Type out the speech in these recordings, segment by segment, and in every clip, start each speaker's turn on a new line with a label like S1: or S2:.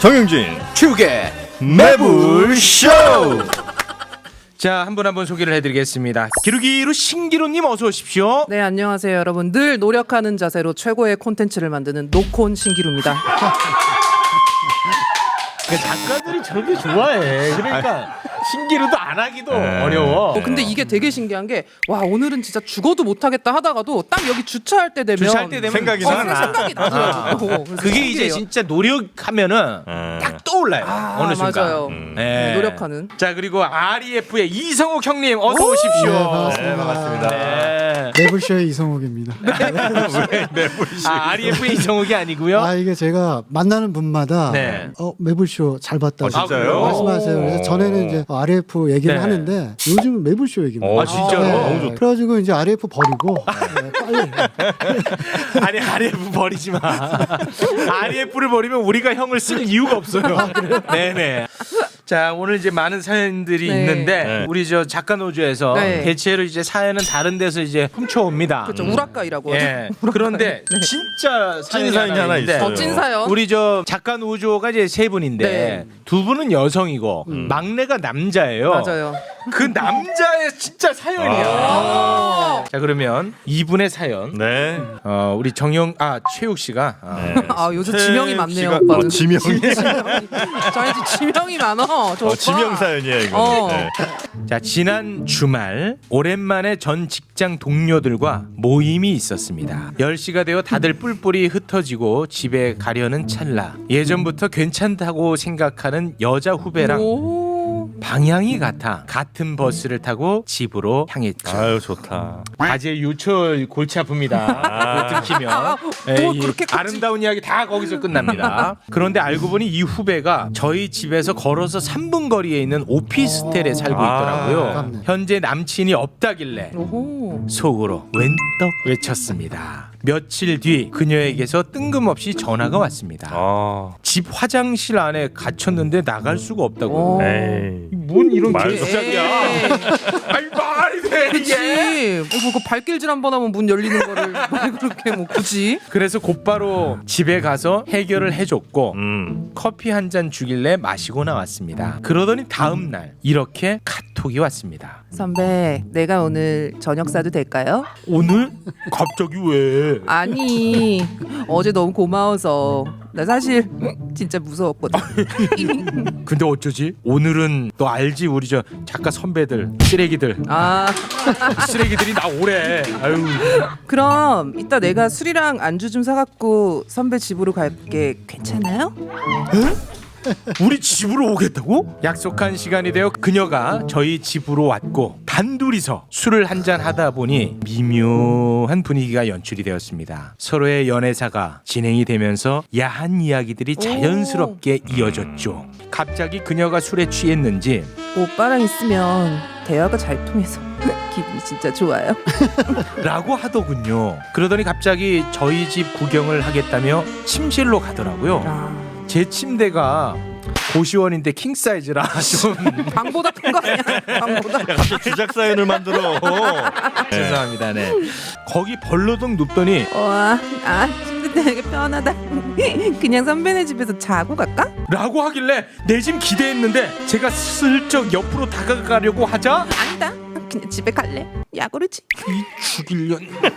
S1: 정영진
S2: 축의
S1: 매불쇼.
S2: 자, 한 분 한 분 소개를 해드리겠습니다. 기루기루 신기루님 어서 오십시오.
S3: 네, 안녕하세요 여러분. 늘 노력하는 자세로 최고의 콘텐츠를 만드는 노콘 신기루입니다.
S2: 작가들이 저렇게 좋아해. 그러니까 신기루도 안 하기도 어려워.
S3: 근데 이게 되게 신기한 게 와 오늘은 진짜 죽어도 못하겠다 하다가도 딱 여기 주차할 때 되면
S2: 주차할 때 되면
S1: 생각이 나.
S3: 생각이 나더라고요. 그래서
S2: 그게 이제
S3: 신기해요.
S2: 진짜 노력하면은 딱 떠올라요. 어느 순간.
S3: 맞아요. 네, 노력하는.
S2: 자, 그리고 REF의 이성욱 형님 어서 오십시오.
S1: 네, 반갑습니다.
S2: 네.
S4: 매불쇼의 이성욱입니다.
S1: 왜 매불쇼?
S2: REF의 이성욱이 아니고요.
S4: 아 이게 제가 만나는 분마다
S2: 네.
S4: 매불쇼 잘 봤다고
S1: 진짜요?
S4: 말씀하세요. 그래서 전에는 이제 RF 얘기를
S2: 네.
S4: 하는데 요즘은 매불쇼 얘기입니다.
S1: 아, 진짜로? 너무 좋다.
S4: 그래가지고 이제 RF 버리고 빨리
S2: 아니 RF 버리지 마. RF를 버리면 우리가 형을 쓸 이유가 없어요. 네네. 자, 오늘 이제 많은 사연들이
S3: 네.
S2: 있는데
S1: 네.
S2: 우리 저 작가 노조에서
S3: 네.
S2: 대체로 이제 사연은 다른 데서 이제 훔쳐옵니다.
S3: 그렇죠. 우락가이라고
S2: 예.
S3: 하죠.
S2: 그런데 진짜
S1: 찐 사연이 하나
S2: 있는데
S1: 있어요.
S3: 찐 사연.
S2: 우리 저 작가 노조가 이제 세 분인데
S3: 네.
S2: 두 분은 여성이고 막내가 남자예요.
S3: 맞아요.
S2: 그 남자의 진짜 사연이야. 자, 그러면 이분의 사연
S1: 네.
S2: 우리 최욱 씨가
S3: 아 요새 지명이 많네요.
S1: 씨가-
S3: 오빠는.
S1: 지명.
S3: 저희 지명이 많어. 저 오빠.
S1: 지명 사연이에요 이거.
S3: 어.
S1: 네.
S2: 자, 지난 주말 오랜만에 전 직장 동료들과 모임이 있었습니다. 10시가 되어 다들 뿔뿔이 흩어지고 집에 가려는 찰나 예전부터 괜찮다고 생각하는 여자 후배랑
S3: 오.
S2: 방향이 같은 버스를 타고 집으로 향했죠.
S1: 아유 좋다.
S2: 바지의 유철 골치 아픕니다. 들키면
S3: 뭐
S2: 이
S3: 그렇게까지?
S2: 아름다운 이야기 다 거기서 끝납니다. 그런데 알고 보니 이 후배가 저희 집에서 걸어서 3분 거리에 있는 오피스텔에 살고 있더라고요.
S4: 아깝네.
S2: 현재 남친이 없다길래
S3: 오호.
S2: 속으로 웬떡 외쳤습니다. 며칠 뒤 그녀에게서 뜬금없이 전화가 왔습니다.
S1: 아.
S2: 집 화장실 안에 갇혔는데 나갈 수가 없다고.
S3: 오.
S1: 에이.
S2: 뭔 이런
S1: 말도
S2: 개시작이야? 아니 말이 돼
S3: 그치.
S2: 이게?
S3: 뭐 그 발길질 한 번 하면 문 열리는 거를 왜 그렇게 뭐 굳이?
S2: 그래서 곧바로 집에 가서 해결을 해줬고 커피 한 잔 주길래 마시고 나왔습니다. 그러더니 다음 날 이렇게 카톡이 왔습니다.
S3: 선배, 내가 오늘 저녁 사도 될까요?
S2: 오늘 갑자기 왜?
S3: 아니, 어제 너무 고마워서 나 사실 진짜 무서웠거든.
S2: 근데 어쩌지? 오늘은 너 알지 우리 저 작가 선배들 쓰레기들
S3: 아,
S2: 쓰레기들이 나 오래. 아유.
S3: 그럼 이따 내가 술이랑 안주 좀 사갖고 선배 집으로 갈게. 괜찮아요?
S2: 우리 집으로 오겠다고? 약속한 시간이 되어 그녀가 저희 집으로 왔고 단둘이서 술을 한잔 하다 보니 미묘한 분위기가 연출이 되었습니다. 서로의 연애사가 진행이 되면서 야한 이야기들이 자연스럽게 이어졌죠. 갑자기 그녀가 술에 취했는지
S3: 오빠랑 있으면 대화가 잘 통해서 기분이 진짜 좋아요.
S2: 라고 하더군요. 그러더니 갑자기 저희 집 구경을 하겠다며 침실로 가더라고요.
S3: 아,
S2: 제 침대가 고시원인데 킹 사이즈라 좀
S3: 방보다 큰 거 아니야? 방보다.
S1: 갑자기 주작 사연을 만들어.
S2: 죄송합니다. 네. 거기 벌러덩 눕더니
S3: 와, 침대 되게 편하다. 그냥 선배네 집에서 자고 갈까?
S2: 라고 하길래 내심 기대했는데 제가 슬쩍 옆으로 다가가려고 하자
S3: 아니다. 그냥 집에 갈래. 야구르지.
S2: 죽일년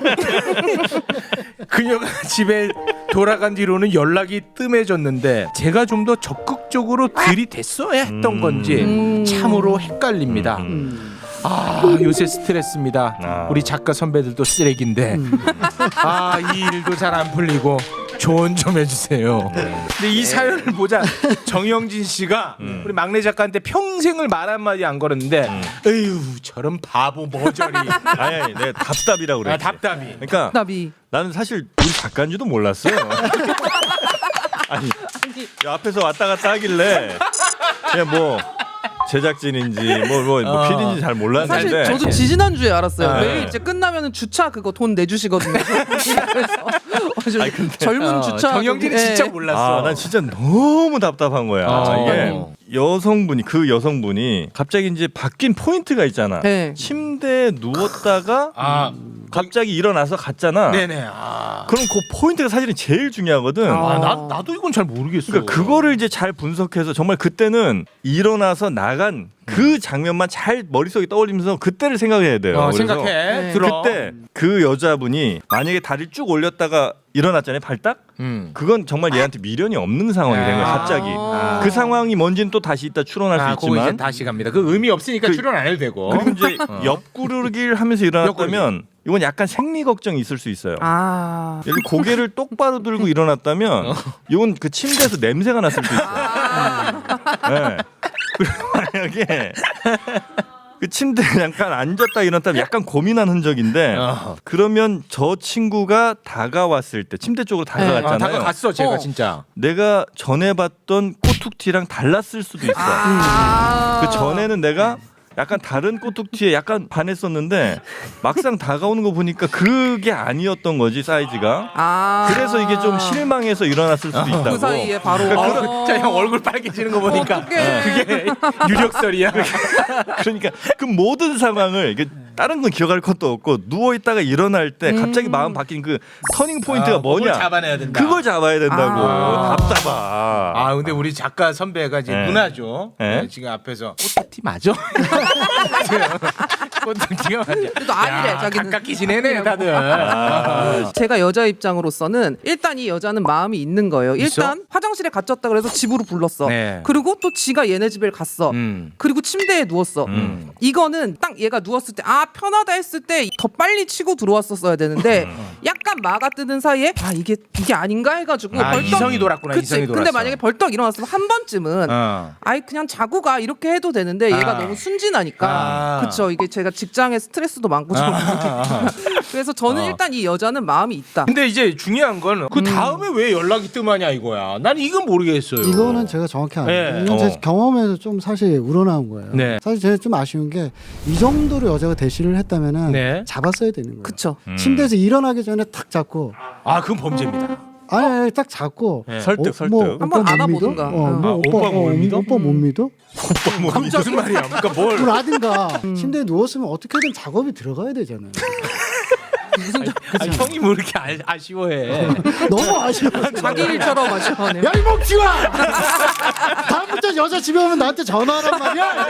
S2: 그녀가 집에 돌아간 뒤로는 연락이 뜸해졌는데 제가 좀 더 적극적으로 들이댔어야 했던 건지 참으로 헷갈립니다. 아, 요새 스트레스입니다.
S1: 아.
S2: 우리 작가 선배들도 쓰레기인데 이 일도 잘 안 풀리고 조언 좀 해주세요. 근데 이 사연을 보자 정영진 씨가 우리 막내 작가한테 평생을 말 한마디 안 걸었는데 에휴 저런 바보 머저리.
S1: 아니 내 답답이라고 그래.
S2: 답답이.
S1: 그러니까
S3: 나비.
S1: 나는 사실 우리 작가인지도 몰랐어. 아니 앞에서 왔다 갔다 하길래 그냥 뭐 제작진인지 뭐 PD인지 잘 몰랐는데.
S3: 사실 저도 지지난주에 알았어요.
S1: 네.
S3: 매일 이제 끝나면 주차 그거 돈 내주시거든요. 그래서
S1: 아니, 근데-
S3: 젊은 주차
S2: 정영진이
S3: 예.
S2: 진짜 몰랐어.
S1: 난 진짜 너무 답답한 거야. 이게 그 여성분이 갑자기 이제 바뀐 포인트가 있잖아.
S3: 네.
S1: 침대에 누웠다가 갑자기 일어나서 갔잖아.
S2: 네네.
S1: 그럼 그 포인트가 사실은 제일 중요하거든.
S2: 나도 이건 잘 모르겠어.
S1: 그러니까 그거를 이제 잘 분석해서 정말 그때는 일어나서 나간 그 장면만 잘 머릿속에 떠올리면서 그때를 생각해야 돼요. 그래서
S2: 생각해.
S3: 네.
S2: 들어.
S1: 그때 그 여자분이 만약에 다리를 쭉 올렸다가 일어났잖아요. 발딱? 그건 정말 얘한테 미련이 없는 상황이 된 거야. 갑자기. 그 상황이 뭔지는 또 다시 이따 추론할 수
S2: 그거 이제
S1: 있지만
S2: 다시 갑니다. 그 의미 없으니까 출연 안 해도 되고.
S1: 그리고 이제 옆구르기를 하면서 일어났다면 이건 약간 생리 걱정이 있을 수 있어요. 예를 들어 고개를 똑바로 들고 일어났다면 이건 그 침대에서 냄새가 났을 수 있어요. 네. 그리고 만약에 그 침대에 잠깐 앉았다 일어났다면 약간 고민한 흔적인데 그러면 저 친구가 다가왔을 때 침대 쪽으로 다가갔잖아요.
S2: 다가갔어 제가 진짜.
S1: 내가 전에 봤던 꼬툭티랑 달랐을 수도 있어. 그 전에는 내가 약간 다른 꼬툭티에 약간 반했었는데 막상 다가오는 거 보니까 그게 아니었던 거지 사이즈가. 그래서 이게 좀 실망해서 일어났을 수도 있다고.
S3: 그 사이에 바로
S2: 진짜 형 얼굴 빨개지는 거 보니까
S3: 어떡해.
S2: 그게 유력설이야.
S1: 그러니까 그 모든 상황을 이게 다른 건 기억할 것도 없고 누워 있다가 일어날 때 갑자기 마음 바뀐 그 터닝 포인트가 뭐냐?
S2: 그걸 잡아내야 된다.
S1: 그걸 잡아야 된다고. 답답하.
S2: 근데 우리 작가 선배가 이제
S1: 네.
S2: 누나죠.
S1: 네.
S2: 네, 지금 앞에서 꼬투티 맞아? 꼬투티가 맞아.
S3: 그래도 아니래,
S2: 야,
S3: 자기는.
S2: 가깝게 지내네 다들.
S3: 제가 여자 입장으로서는 일단 이 여자는 마음이 있는 거예요. 일단 화장실에 갇혔다 그래서 집으로 불렀어.
S2: 네.
S3: 그리고 또 지가 얘네 집에 갔어. 그리고 침대에 누웠어. 이거는 딱 얘가 누웠을 때 편하다 했을 때 더 빨리 치고 들어왔었어야 되는데 약간 마가 뜨는 사이에 이게 아닌가 해가지고 벌떡
S2: 이성이 돌았구나.
S3: 그치?
S2: 이성이 돌았어.
S3: 근데 만약에 벌떡 일어났으면 한 번쯤은 아이 그냥 자고 가 이렇게 해도 되는데 얘가 너무 순진하니까 그쵸. 이게 제가 직장에 스트레스도 많고 좀 그래서 저는 일단 이 여자는 마음이 있다.
S2: 근데 이제 중요한 건 그 다음에 왜 연락이 뜸하냐 이거야. 난 이건 모르겠어요.
S4: 이거는 제가 정확히 알아요.
S2: 네.
S4: 이건 제 경험에서 좀 사실 우러나온 거예요.
S2: 네.
S4: 사실 제가 좀 아쉬운 게 이 정도로 여자가 대시를 했다면은
S2: 네.
S4: 잡았어야 되는 거예요.
S3: 그쵸.
S4: 침대에서 일어나기 전에 탁 잡고
S2: 그건 범죄입니다.
S4: 아니 딱 잡고
S1: 설득.
S3: 한번
S4: 오빠 못
S3: 안아보든가.
S4: 믿어?
S2: 오빠 못 믿어?
S4: 오빠 못 믿어?
S2: 무슨 말이야? 그러니까 뭘?
S4: 라든가 침대에 누웠으면 어떻게든 작업이 들어가야 되잖아요.
S2: 형이 뭐 이렇게 아쉬워해?
S4: 너무 아쉬워.
S3: 자기 일처럼 아쉬워하네요.
S4: 야 이 먹지마. 다음부터 여자 집에 오면 나한테 전화하란 말이야.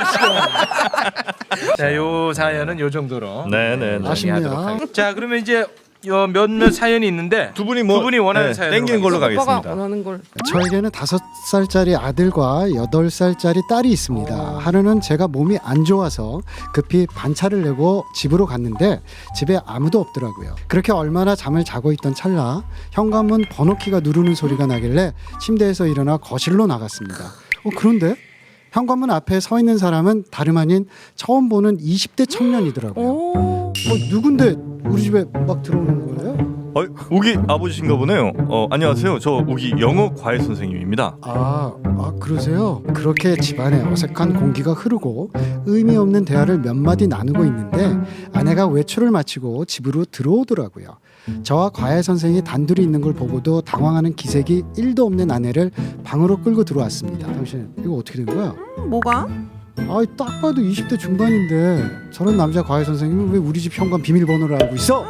S2: 자, 요 사연은 요 정도로
S1: 네네.
S4: 아쉽네요.
S2: 자, 그러면 이제 몇몇 사연이 있는데
S1: 두 분이 원하는 사연 땡기는 걸로
S3: 오빠가
S1: 가겠습니다.
S3: 원하는 걸.
S4: 저에게는 5살짜리 아들과 8살짜리 딸이 있습니다. 하루는 제가 몸이 안 좋아서 급히 반차를 내고 집으로 갔는데 집에 아무도 없더라고요. 그렇게 얼마나 잠을 자고 있던 찰나 현관문 번호키가 누르는 소리가 나길래 침대에서 일어나 거실로 나갔습니다. 그런데 현관문 앞에 서 있는 사람은 다름 아닌 처음 보는 20대 청년이더라고요. 누군데 우리 집에 막 들어오는 거예요?
S1: 우기 아버지신가 보네요. 안녕하세요. 저 우기 영어 과외 선생님입니다.
S4: 그러세요? 그렇게 집안에 어색한 공기가 흐르고 의미 없는 대화를 몇 마디 나누고 있는데 아내가 외출을 마치고 집으로 들어오더라고요. 저와 과외 선생이 단둘이 있는 걸 보고도 당황하는 기색이 1도 없는 아내를 방으로 끌고 들어왔습니다. 당신 이거 어떻게 된 거야?
S3: 뭐가?
S4: 딱 봐도 20대 중반인데 저런 남자 과외 선생님은 왜 우리 집 현관 비밀번호를 알고 있어?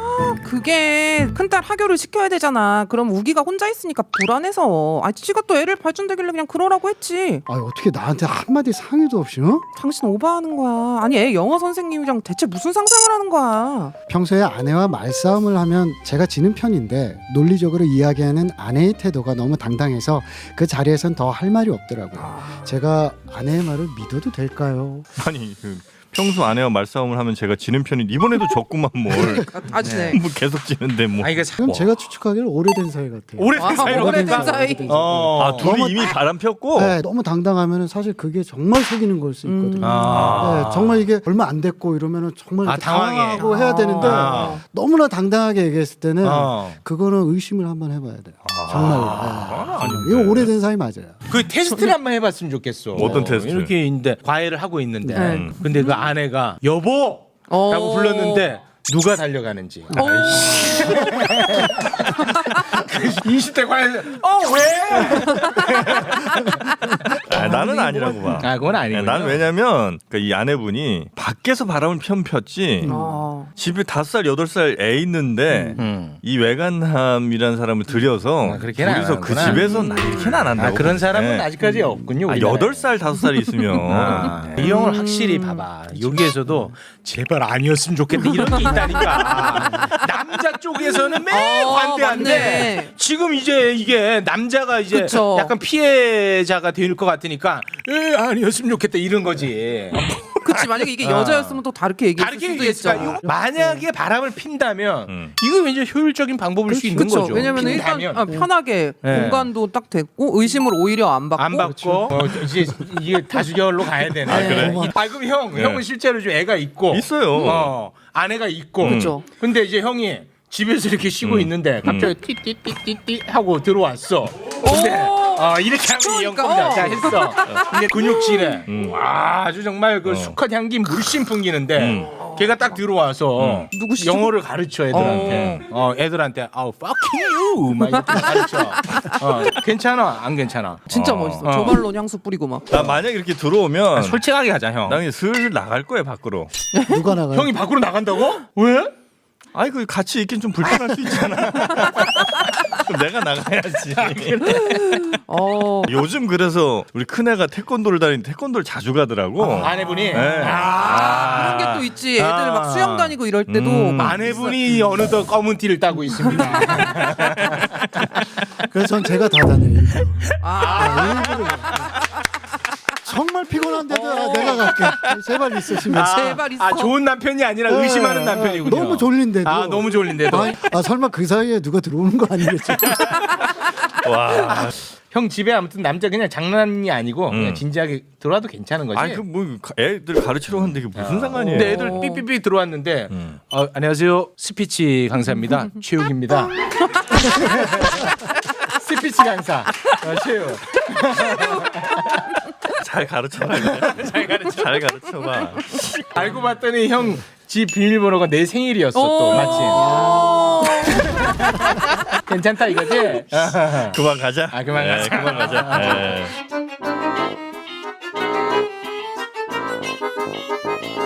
S3: 그게 큰딸 하교를 시켜야 되잖아. 그럼 우기가 혼자 있으니까 불안해서. 지가 또 애를 발전되길래 그냥 그러라고 했지.
S4: 어떻게 나한테 한마디 상의도 없이
S3: 당신 오버하는 거야. 아니 애 영어 선생님이랑 대체 무슨 상상을 하는 거야.
S4: 평소에 아내와 말싸움을 하면 제가 지는 편인데 논리적으로 이야기하는 아내의 태도가 너무 당당해서 그 자리에선 더 할 말이 없더라고요. 제가 아내의 말을 믿어도 될까요?
S1: 아니 평소 아내와 말싸움을 하면 제가 지는 편인 이번에도 졌구만 뭘.
S3: 아시네.
S1: 뭐 계속 지는데 뭐.
S2: 이거
S4: 그럼 제가 추측하기를 오래된 사이 같아요.
S2: 오래된 사이로
S3: 오래된
S2: 간다?
S3: 사이.
S1: 둘이
S4: 너무
S1: 이미 바람 폈고.
S4: 네, 너무 당당하면 사실 그게 정말 속이는 걸 수 있거든요. 네, 정말 이게 얼마 안 됐고 이러면은 정말 이렇게
S2: 당황해.
S4: 당황하고 해야 되는데 너무나 당당하게 얘기했을 때는 그거는 의심을 한번 해봐야 돼요. 정말. 이거 오래된 사이 맞아요.
S2: 그 테스트를 한번 해봤으면 좋겠어.
S1: 어떤 테스트?
S2: 이렇게 있는데 과외를 하고 있는데
S3: 네.
S2: 근데 그 아내가 여보라고 불렀는데 누가 달려가는지. 20대 과외 왜?
S1: 나는 아니라고 봐.
S2: 아, 그건 아니에요.
S1: 나는 왜냐면 이 아내분이 밖에서 바람을 폈지 집에 5살 8살 애 있는데 이 외간함이라는 사람을 들여서
S2: 그렇게는 안
S1: 둘이서 그
S2: 하는구나.
S1: 집에서 이렇게는 안 한다고.
S2: 그런 사람은
S1: 네.
S2: 아직까지 없군요. 우리나라에.
S1: 8살 5살이 있으면
S2: 이 형을 확실히 봐봐. 여기에서도 제발 아니었으면 좋겠다 이런 게 있다니까. 남자 쪽에서는 매일 관대한데
S3: 맞네.
S2: 지금 이제 이게 남자가 이제
S3: 그쵸.
S2: 약간 피해자가 될 것 같으니까 아니었으면 좋겠다 이런 거지.
S3: 그치 만약에 이게 여자였으면 또 다르게 얘기했을
S2: 다르게
S3: 수도
S2: 얘기했을까?
S3: 있죠.
S2: 만약에 바람을 핀다면 이거 왠지 효율적인 방법일 수 있는
S3: 그쵸.
S2: 거죠.
S3: 왜냐면 일단
S2: 핀다면.
S3: 편하게
S2: 네.
S3: 공간도 딱 됐고 의심을 오히려 안 받고.
S2: 안 받고 이제 이게 다수결로 가야 되네.
S1: 아, 그래?
S2: 그럼 형은 실제로 좀 애가 있고
S1: 있어요.
S2: 아내가 있고.
S3: 그쵸.
S2: 근데 이제 형이 집에서 이렇게 쉬고 있는데 갑자기 띠띠띠띠띠 하고 들어왔어. 근데 이렇게 하면 이 형 겁니다. 자 했어. 근데 근육질에 와 아주 정말 그 수컷 향기 물씬 풍기는데 걔가 딱 들어와서
S3: 누구시죠?
S2: 영어를 가르쳐 애들한테. 애들한테 fucking you 막 이렇게 가르쳐. 괜찮아 안 괜찮아?
S3: 진짜 멋있어. 조말론 향수 뿌리고 막.
S1: 나 만약 이렇게 들어오면
S2: 솔직하게 가자 형.
S1: 나 그냥 슬슬 나갈 거야 밖으로.
S4: 누가 나가요?
S2: 형이 밖으로 나간다고? 왜?
S1: 아이 그 같이 있긴 좀 불편할 수 있잖아. 그럼 내가 나가야지. 요즘 그래서 우리 큰애가 태권도를 다니는데 태권도를 자주 가더라고.
S2: 아내분이.
S1: 네.
S3: 그런 게 또 있지. 애들 막 수영 다니고 이럴 때도 막
S2: 아내분이 어느덧 검은 티를 따고 있습니다.
S4: 그래서 전 제가 다 다녀요.
S3: 아,
S4: 정말 피곤한데도 내가 갈게. 제발 있으시면.
S3: 제발 있어.
S2: 좋은 남편이 아니라 의심하는 남편이군요.
S4: 너무 졸린데도.
S2: 너무 졸린데도.
S4: 설마 그 사이에 누가 들어오는 거 아니겠지?
S1: 와.
S2: 형 집에 아무튼 남자 그냥 장난이 아니고 그냥 진지하게 들어와도 괜찮은 거지.
S1: 아니 그 뭐 애들 가르치러 갔는데 이게 무슨 상관이에요?
S2: 근데 애들 삐삐삐 들어왔는데 안녕하세요 스피치 강사입니다. 최욱입니다. 스피치 강사 최욱.
S1: 잘 가르쳐봐. 잘 가르쳐봐.
S2: 알고 봤더니 형 집 비밀번호가 내 생일이었어 또 마침. 괜찮다 이거지?
S1: 그만 가자.
S2: 그만 가자.
S1: 그만 가자.